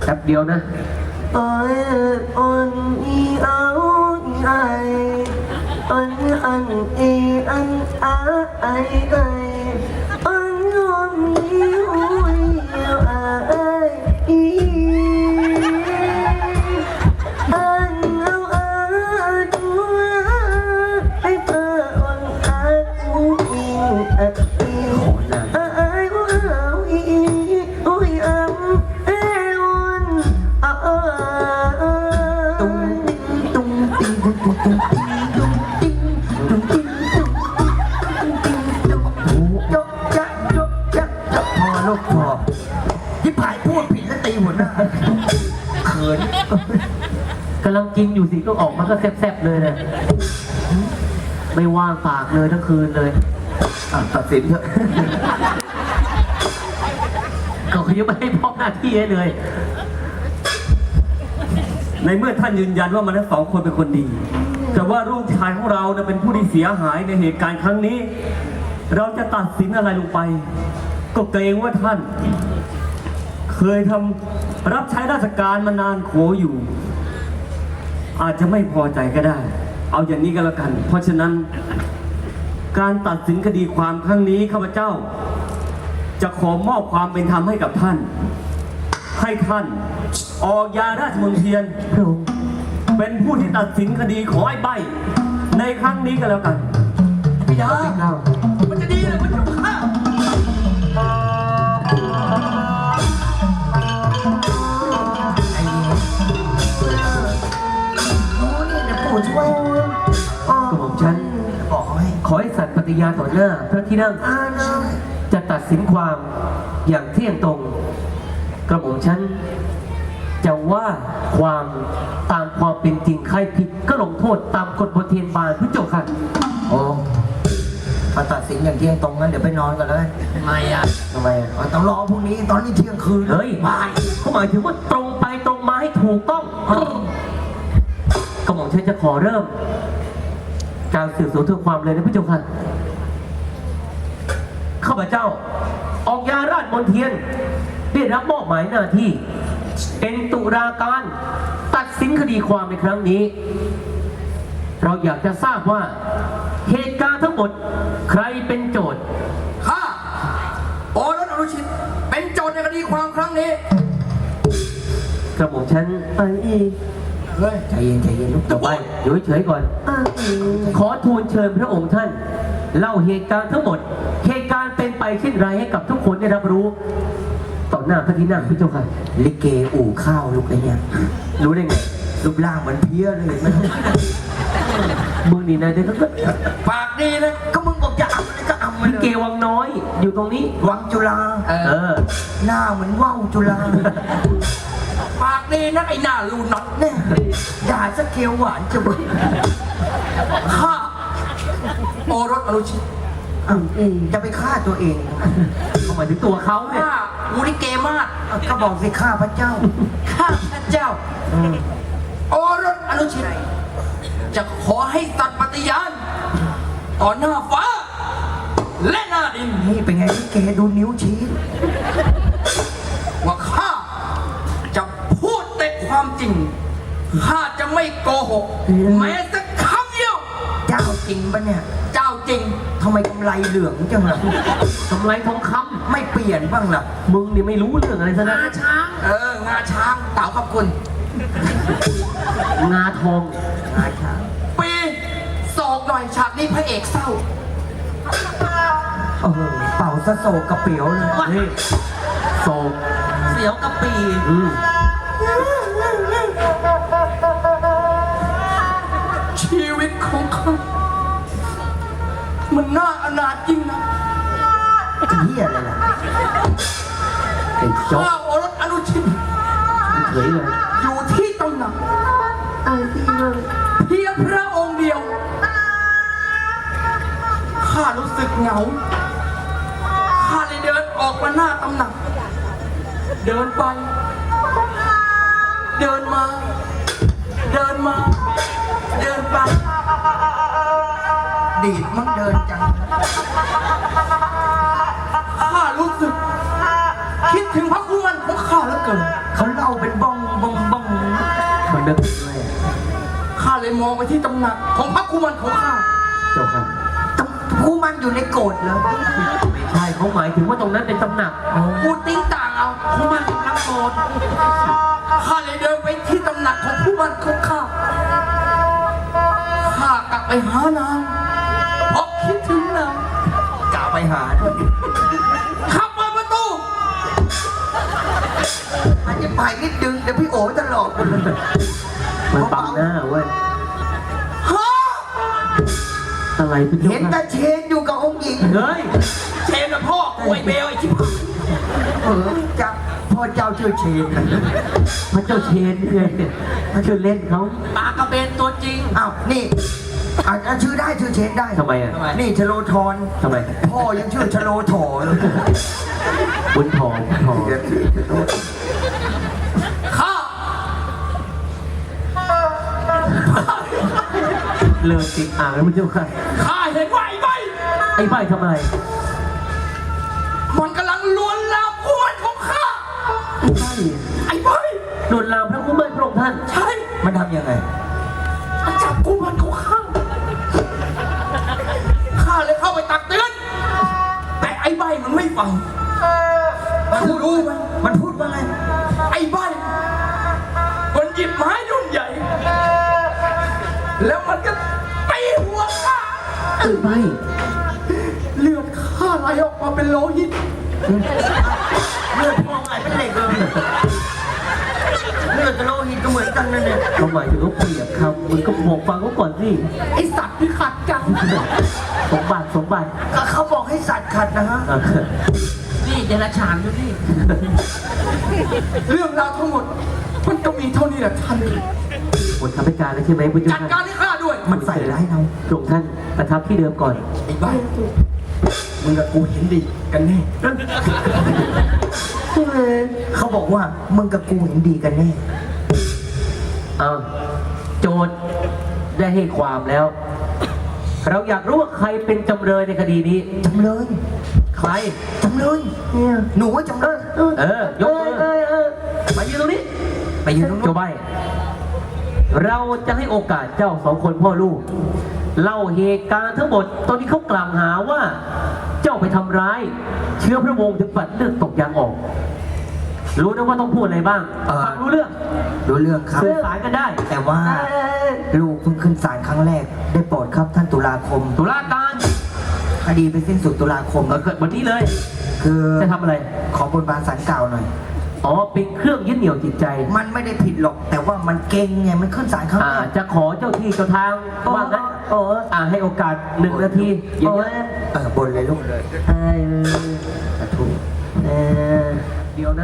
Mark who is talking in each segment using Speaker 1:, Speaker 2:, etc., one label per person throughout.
Speaker 1: ป๊บเดียวนะ
Speaker 2: อนอีเอาอีไออันอีอันอาไอไออันยอมอีหุยอาไออีอันเอาอาตัวไอเธออันอาอูอีอัดอีอาไออูเอาอีอุยอัมเอวันอาตุ้งตุ้งติ้งตุ้งตุ้งตุ้งที่ผายพูดผิดแล้วตีหัวหน้าเขิน
Speaker 1: กำลังกินอยู่สิก็ออกมาก็แซ่บๆเลยนะไม่ว่างปากเลยทั้งคืนเลย
Speaker 2: ตัดสินเถอะ
Speaker 1: ก็ยังไม่ให้พ่อหน้าที่ให้เลย
Speaker 3: ในเมื่อท่านยืนยันว่ามันทั้งสองคนเป็นคนดีแต่ว่าลูกชายของเราเป็นผู้ที่เสียหายในเหตุการณ์ครั้งนี้เราจะตัดสินอะไรลงไปก็เกรงว่าท่านเคยทำรับใช้ราชการมานานโขอยู่อาจจะไม่พอใจก็ได้เอาอย่างนี้ก็แล้วกันเพราะฉะนั้นการตัดสินคดีความครั้งนี้ข้าพเจ้าจะขอมอบความเป็นธรรมให้กับท่านให้ท่านออกยาราชมนเทียนเป็นผู้ที่ตัดสินคดีของไอ้ใบในครั้งนี้ก็แล้วกัน
Speaker 2: พี่ดามันจะดีเลยมันจะฆ่าช่วย
Speaker 1: กระหม่อมฉันขอให้สัตย์ปฏิญาณต่อหน้าพระที่นั่งจะตัดสินความอย่างเที่ยงตรงกระหม่อมฉันจะว่าความตามความเป็นจริงใครผิดก็ลงโทษตามกฎบทเทียนบานพระเจ้าค่ะ
Speaker 2: โอ้มาตัดสินอย่างเที่ยงตรงงั้นเดี๋ยวไปนอนกันเลย
Speaker 1: ทำไมอ่ะ
Speaker 2: ต้องรอพรุ่งนี้ตอนนี้เที่ยงคืน
Speaker 1: เฮ้ยบ่ายเขาหมายถึงว่าตรงไปตรงมาให้ถูกต้องกระหม่อมฉันจะขอเริ่มการสืบสวนทุกความเลยนะพระเจ้าค่ะข้าพเจ้าออกยาราชมนเทียนได้รับมอบหมายหน้าที่เป็นตุลาการตัดสินคดีความในครั้งนี้เราอยากจะทราบว่าเหตุการณ์ทั้งหมดใครเป็นโจทย์
Speaker 2: ข้าโอรสอนุชิตเป็นโจทย์ในคดีความครั้งนี้
Speaker 1: กระหม่อมฉันไปอีก
Speaker 2: ใจเย็นลูก
Speaker 1: ต่อไปอยู่เฉยๆก่อนขอทูลเชิญพระองค์ท่านเล่าเหตุการณ์ทั้งหมดเหตุการณ์เป็นไปเช่นไรให้กับทุกคนได้รับรู้ต่อหน้าพระที่นั่งพระเจ้าค่ะ
Speaker 2: ลิเกอู่ข้าวลูกไอ้เนี่ย
Speaker 1: รู้ได้ไง
Speaker 2: รูปร่างเหมือนเพี้ยเลยไม่
Speaker 1: มึงนี่นะเด็กก็
Speaker 2: ปากดีนะก็มึงบอกจะเอาก็เอา
Speaker 1: ลิเกวังน้อยอยู่ตรงนี้
Speaker 2: วังจุฬาหน้าเหมือนว่าวจุฬาปากดีนะไอ้หน้าลูน็อตเนี่ยด่าสเกลหวานจะบึ้งข้าโอรสอนุชิตจะไปฆ่าตัวเอง
Speaker 1: ทำไมถึงตัวเขาเนี่ย
Speaker 2: มูลิเกมากก็บอกสิฆ่าพระเจ้าฆ่าพระเจ้าโอรสอนุชิตจะขอให้สัตย์ปฏิญาณต่อหน้าฟ้าและหน้าดินนี่เป็นไงลิเกดูนิ้วชี้ว่าข้าจะพูดแต่ความจริงข้าจะไม่โกหกแม้สักคำเดียวเจ้าจริงปะเนี่ยเจ้าจริงทำไมกำไรเหลืองจังล่ะ
Speaker 1: กำไรทองคำ
Speaker 2: ไม่เปลี่ยนบ้างล่ะ
Speaker 1: มึงนี่ไม่รู้เรื่องอะไรซะนะ
Speaker 2: งาช้างงาช้างเต่าขอบคุณ
Speaker 1: งาทอง
Speaker 2: งาช้างปีศอกหน่อยฉากนี้พระเอกเศร้าเป่าซะโศกกระเปียวเลย
Speaker 1: นี่โศก
Speaker 2: เสียวกระปีชีวิตของเขามันน่าอนาถจริงนะเฮียอะไรล่ะข้าโอรสอนุชิต
Speaker 1: เฉยเลย
Speaker 2: อยู่ที่ตำหนักเพียงพระองค์เดียวข้ารู้สึกเหงาข้าเลยเดินออกมาหน้าตำหนักเดินไปเดินมาเดินมาเดินไปดีดมันเดินจังข้ารู้สึกคิดถึงพระคุณมันของข้าเหลือเกินเขาเล่าเป็นบ
Speaker 1: นึกด้วย
Speaker 4: ข้าเลยมองไปที่ตำหนักของพระกุมารของข้า
Speaker 1: เจ้าค่ะ
Speaker 2: ผู้มันอยู่ในโกรธเหรอ
Speaker 1: ไม่ใช่เขาหมายถึงว่าตรงนั้นเป็นตำหนัก
Speaker 4: พูดติ้งต่างเอาผู้มันกำลังโกรธข้าเลยเดินไปที่ตำหนักของผู้มันของข้าข้ากลับไปหานางเพราะคิดถึงนาง
Speaker 2: กล่าวไปหา
Speaker 4: ข้าเปิดประตู
Speaker 2: มันจะไปนิดดึงเดี๋ยวพี่โอ๋จะหลอกมันเลย
Speaker 1: มันบังหน้าเว้ย
Speaker 4: ฮะ
Speaker 1: อะไรเป็น
Speaker 2: เห็นแต่เชนอยู่กับองค์หญิง
Speaker 1: เฮ้ย
Speaker 4: เชนนะพ่อกูไอ้เบลไอ้ชิบหาย
Speaker 2: จะพ่อเจ้าชื่อเชน
Speaker 1: พระเจ้าเชนเลยชื่อเล่นเขา
Speaker 4: ตากระเบนตัวจริง
Speaker 2: อ้าวนี่อาจจะชื่อได้ชื่อเชนได้
Speaker 1: ทำไมอ่ะ
Speaker 2: นี่ชโลธร
Speaker 1: ทำไม
Speaker 2: พ่อยังชื่อชโลถอเลย
Speaker 1: บุญทองทอง
Speaker 4: ข้า
Speaker 1: เลิกติดอ่างแล้วมันเจ้าค่ะ
Speaker 4: ข้าเห็นว่าไอ้ใบ
Speaker 1: ไอ้ใบทำอะไร
Speaker 4: มันกำลังลวนลามผู้มันของข้า
Speaker 1: ไอ้ใบ
Speaker 4: ไอ้ใบ
Speaker 1: โดนลามพระคุ้มเบิ้ลพระองค์ท่าน
Speaker 4: ใช่
Speaker 2: มันทำยังไง
Speaker 4: มันจับกุมารของข้าข้าเลยเข้าไปตักเตือนแต่ไอ้ใบมันไม่ฟังมันรู้ไหม
Speaker 2: มันพูดว่าไง
Speaker 4: ไอ้ใบมันหยิบไม้รุ่นใหญ่ แล้วมันก็ตีหัวข้า
Speaker 1: ไอ้ใบ
Speaker 4: เลือดข้าไหลออกมาเป็นโลหิต
Speaker 2: เลือดพ่อไงเป็นเหล็กเลยเลือดกับโลหิตก็เหมือนกันนั่นเนี่ย
Speaker 1: เขาหมายถึงเขาเปรียบคำมึงก็บอกฟังเขาก่อนสิ
Speaker 4: ไอ้สัตว์ที่ขัดจัง
Speaker 1: สมบัติสมบัติ
Speaker 2: ก็เขาบอกให้สัตว์ขัดนะฮะ
Speaker 1: อ่ะ
Speaker 4: นี่เดรัจฉานดูนี่เรื่องราวทั้งหมด มันก็มีเท่านี้แหละท่าน
Speaker 1: หมดคำให้การแล้วใช่ไหมพุทธ
Speaker 4: จัด
Speaker 1: เจ้า
Speaker 4: การให้ข้าด้วย
Speaker 2: มันใส่ร้ายเรา
Speaker 1: พระองค์ท่านประทับที่เดิมก่อน
Speaker 4: ไอ้ใบมึงกับกูเห็นดีกันแน่
Speaker 2: เขาบอกว่ามึงกับกูเห็นดีกันแน่
Speaker 1: เอาโจทย์ได้ให้ความแล้ว เราอยากรู้ว่าใครเป็นจำเลยในคดีนี้
Speaker 2: จำเลย
Speaker 1: ใคร
Speaker 2: จำเลยเนี่ยหนูว่าจำเลย
Speaker 1: ยกมือไปยืนตรงนี้
Speaker 2: ไปยืนตรงนู้
Speaker 1: โจ
Speaker 2: น
Speaker 1: ใบเราจะให้โอกาสเจ้าสองคนพ่อลูก เล่าเหตุการณ์ทั้งหมด ตอนนี้เขากล่าวหาว่า เจ้าไปทำร้าย เชื้อพระวงศ์ถึงปัดเลือดตกยางออก รู้นะว่าต้องพูดอะไรบ้างฟังรู้เรื่อง
Speaker 2: รู้เรื่องครับ
Speaker 1: สื่อสารกันได้
Speaker 2: แต่ว่าลูกเพิ่งขึ้นศาลครั้งแรก ได้โปรดครับท่านตุลาคม
Speaker 1: ตุลาการ
Speaker 2: คดีไปสิ้นสุดตุลาคม
Speaker 1: เกิดวันนี้เลย
Speaker 2: คือ
Speaker 1: จะทำอะไร
Speaker 2: ขอบนบานศาลเก่าหน่อย
Speaker 1: อ๋อเป็นเครื่องยึดเหนี่ยวจิตใจ
Speaker 2: มันไม่ได้ผิดหรอก แต่ว่ามันเก่งไงมันขึ้นศาลครั้งแรก
Speaker 1: จะขอเจ้าที่เจ้าทางว่างั้นให้โอกาส1 นาทีอย่างนี้
Speaker 2: บนเลยลูกเลย
Speaker 1: ถูกเดียวนะ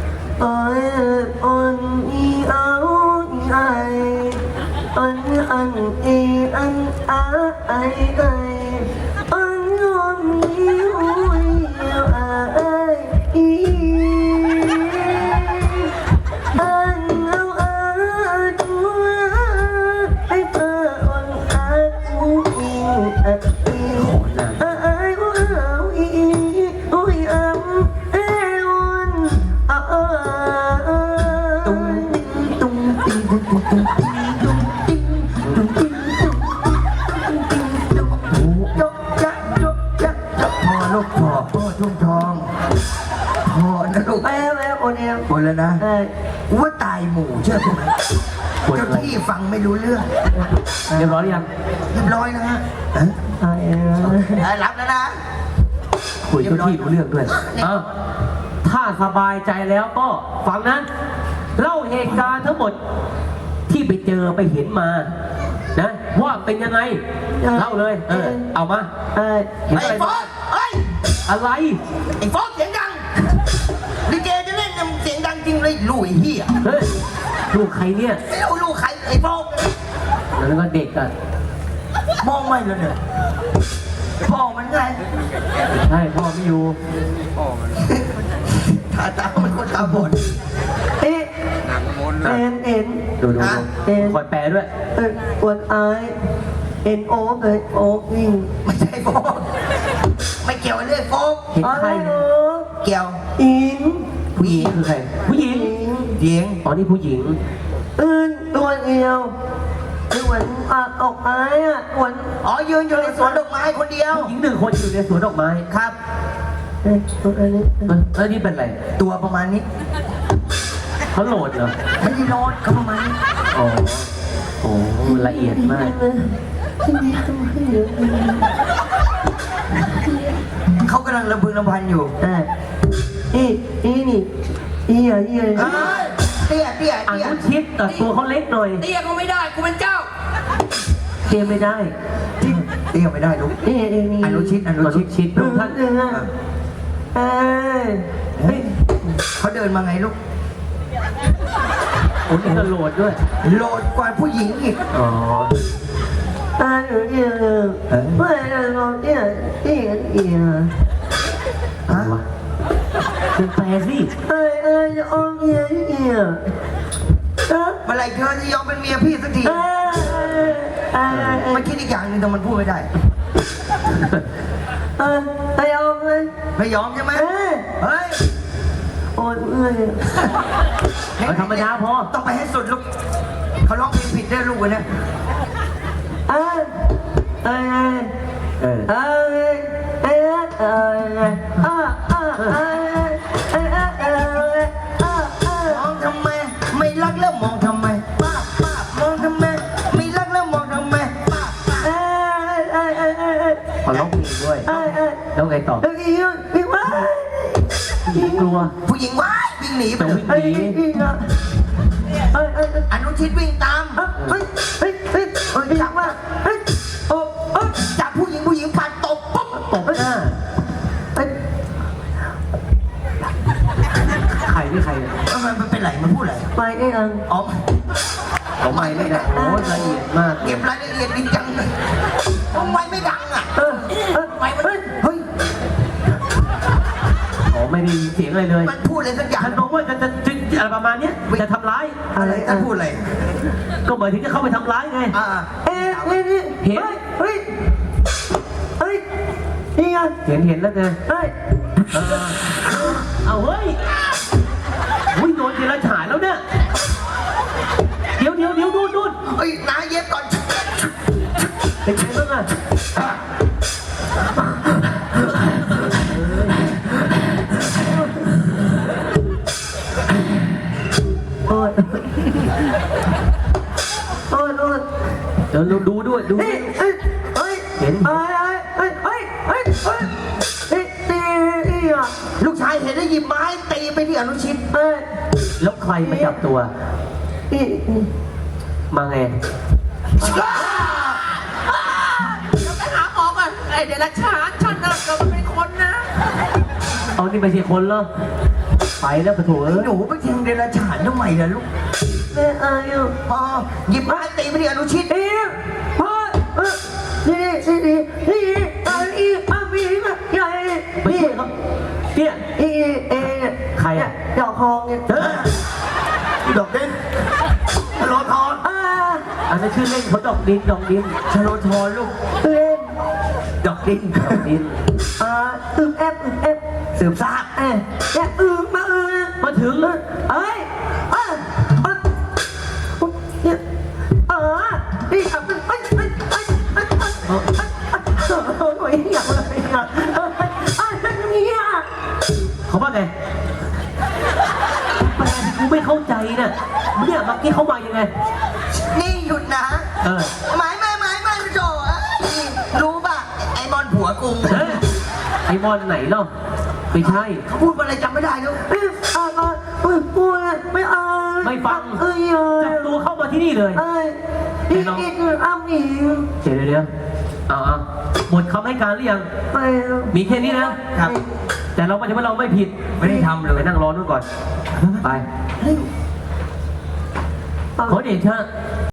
Speaker 2: พ่อทุ่งทองพ่อนะลูกบนแล้วนะว่าตายหมู่เชื่อไหมเจ้าที่ฟังไม่รู้เรื่อง
Speaker 1: เรียบร้อยหรือยัง
Speaker 2: เรียบร้อยนะฮะรับแล้วนะ
Speaker 1: คุยเจ้าที่รู้เรื่องด้วยถ้าสบายใจแล้วก็ฟังนะเล่าเหตุการณ์ทั้งหมดที่ไปเจอไปเห็นมานะว่าเป็นยังไงเล่าเลยเอามาเห็น
Speaker 2: ไอ้
Speaker 1: อะไร
Speaker 2: ฟอสเฮ้ย
Speaker 1: อะไร
Speaker 2: ไอ้ฟอสเสียงดังลิเกจะเล่นเนี่ยเสียงดังจริงเลยลุยเฮีย
Speaker 1: เฮ้ยลูกใครเนี่ย
Speaker 2: ไม่รู้ลูกใครไอ้ฟอส
Speaker 1: แล้วก็เด็กอ่ะ
Speaker 2: มองไม่เลยเนี่ยพ่อมันไง
Speaker 1: ใช่พ่อไม่อยู่
Speaker 2: ตามันคนตาบอด
Speaker 1: ดู
Speaker 2: เอ็น
Speaker 1: คอยแปลด้วย
Speaker 2: วันไอเอ็นโอ๊กเลยโอ๊กวิ่งไม่ใช่โฟกไม่เกี่ยวเรื่องโฟก
Speaker 1: เห็นใคร
Speaker 2: เกี่ยวอินผู้หญิง
Speaker 1: คือใครผู้หญิง
Speaker 2: หญิง
Speaker 1: อ๋อนี่ผู้หญิง
Speaker 2: ตัวเดียวเหมือนออกไม้อะเหมือน
Speaker 4: อ๋อยืนอยู่ในสวนดอกไม้คนเดียว
Speaker 1: ผู้หญิงหนึ่งคนอยู่ในสวนดอกไม้
Speaker 4: ครับ
Speaker 2: อันนี้
Speaker 1: แล้วนี่เป็นอะไร
Speaker 4: ตัวประมาณนี้
Speaker 1: เขาโหลดเหรอ
Speaker 4: ไม่ได้นอนเขาประมาณนี้
Speaker 1: อ๋อโอ้ละเอียดมาก
Speaker 4: เขากำลังระพึงระพันอยู่
Speaker 2: นี่นี่เฮ้ย
Speaker 4: เตี้ยเตี้ย
Speaker 1: อ
Speaker 4: เตี้ย
Speaker 1: นุชิตแต่ตัวเขาเล็กหน่อย
Speaker 4: เตี้ยก็ไม่ได้กูเป็นเจ้า
Speaker 1: เทียมไม่ได้
Speaker 4: เตี้ยไม่ได้ลูก
Speaker 2: นี่
Speaker 4: อนุชิตอนุ
Speaker 1: อนุ
Speaker 4: ชิต
Speaker 1: ชิตทุกท่าน
Speaker 4: เฮ้ยเขาเดินมาไงลูก
Speaker 1: โอ้นี่ก็โหลดด้วย
Speaker 4: โหลดกว่าผู้หญิงอีก
Speaker 1: อ๋อ อะไรวะเป็นแปลสิ
Speaker 4: เมื่อไหรเธอจะยอมเป็นเมียพี่สักทีมันคิดอีกอย่างหนึงแต่มันพูดไม่ได้ ไม่ยอมใช่ไหมเฮ้ย
Speaker 1: เอาธรรมดาพอ
Speaker 4: ต้องไปให้สุดลูกเขาร้องเพลงผิดได้ลูกวันนี้
Speaker 1: เออ
Speaker 4: มองทำไมไม่รักแล้วมองทำไมป้าป้ามองทำไมไม่รักแล้วมองทำไมป้าป้า
Speaker 1: ขอร้องเพลงด้วย แล้วไงต่อกลัว
Speaker 4: ผู้หญิงว้ายวิ่งหนีไป
Speaker 1: แต่
Speaker 4: เลย
Speaker 1: วิ่งหนี
Speaker 4: อนุชิตวิ่งตามจับผู้หญิงปัดตบปุ๊บ
Speaker 1: ตบหน้าใครนี่ใครเนี่ย
Speaker 4: มันเป็นไรมันพูดอะไรอ๋อ
Speaker 1: เขาไม่ได้โอ้ละเอียดมาก
Speaker 4: เก็บรายละเอียดดีจังเลยทำไมไม่ดังอ่ะทำไมมันเฮ้ย
Speaker 1: อ๋อไม่ได้ยินเสียงอะไรเลย
Speaker 4: มันพูดอะไรสักอย่าง
Speaker 1: ฉันบอกว่าจะอะไรประมาณเนี้ยจะทำร้าย
Speaker 4: อะไรมันพูดอะไร
Speaker 1: ก็หมายถึงจะเข้าไปทำร้ายไง เห็นแล้วไงเอาเฮ้ยอุ้ยโดนเจรฉายแล้วเนี่ยเดี๋ยวดูด
Speaker 4: เฮ้ยน้าเย็บก่อน
Speaker 1: เป็นไงบ้างอ่ะเดี๋ยวดูด้วยดูเห็น
Speaker 4: ลูกชายเห็นได้หยิบไม้ตีไปที่อนุชิต
Speaker 1: แล้วใครมาจับตัว มาไง
Speaker 4: ไปหาหมอก่อนไอเดรัจฉานฉันน่ะเกิดเป็นคนนะ
Speaker 1: เอานี่ไม่ใช่คนเหรอไปแล้วปะโถเอ้ย
Speaker 4: หนูไปแทงเดรัจฉานทำไมล่ะลูกอ๋อหยิบไม้ตีไปที่อนุชิต
Speaker 1: ไปช่วยเขาเนี่ยใครอ่ะ
Speaker 2: ดอกคองเนี่ย
Speaker 4: ดอกเด่นชโลทร
Speaker 1: อันนั้นชื่อเล่นเขาดอกดิน
Speaker 4: ชโลทรลูก
Speaker 2: เล่น
Speaker 4: ดอกดิน
Speaker 1: ดอกดิน
Speaker 2: แอป
Speaker 4: สืบทราบ
Speaker 2: แอปมา
Speaker 1: มาถึง
Speaker 2: นี่ครับโอ้ยอยากเลยอ่ะเนี่ย
Speaker 1: เขาว่าไงแปลที่กูไม่เข้าใจน่ะเนี่ยเมื่อกี้เขามายังไง
Speaker 4: นี่หยุดนะ
Speaker 1: เออ
Speaker 4: หมายโจรู้ป่ะไอ้บอลผัวกู
Speaker 1: เฮ้ยไอ้บอลไหนเนาะไม่ใช่
Speaker 4: เขาพูดอะไรจำไม่ได้ลูก
Speaker 2: พูดไม่เอา
Speaker 1: ไม่ฟังจับตัวเข้ามาที่นี่เลย
Speaker 2: นี่คืออ้ำอีก
Speaker 1: เดี๋ยวเอาหมดคำให้การหรือยัง
Speaker 2: ไป
Speaker 1: มีแค่นี้นะครับ แต่เราไม่ใช่ว่าเราไม่ผิด
Speaker 4: ไม่ได้ทำเลย
Speaker 1: ไปนั่งรอนู่นก่อน ไป ขอเดชะ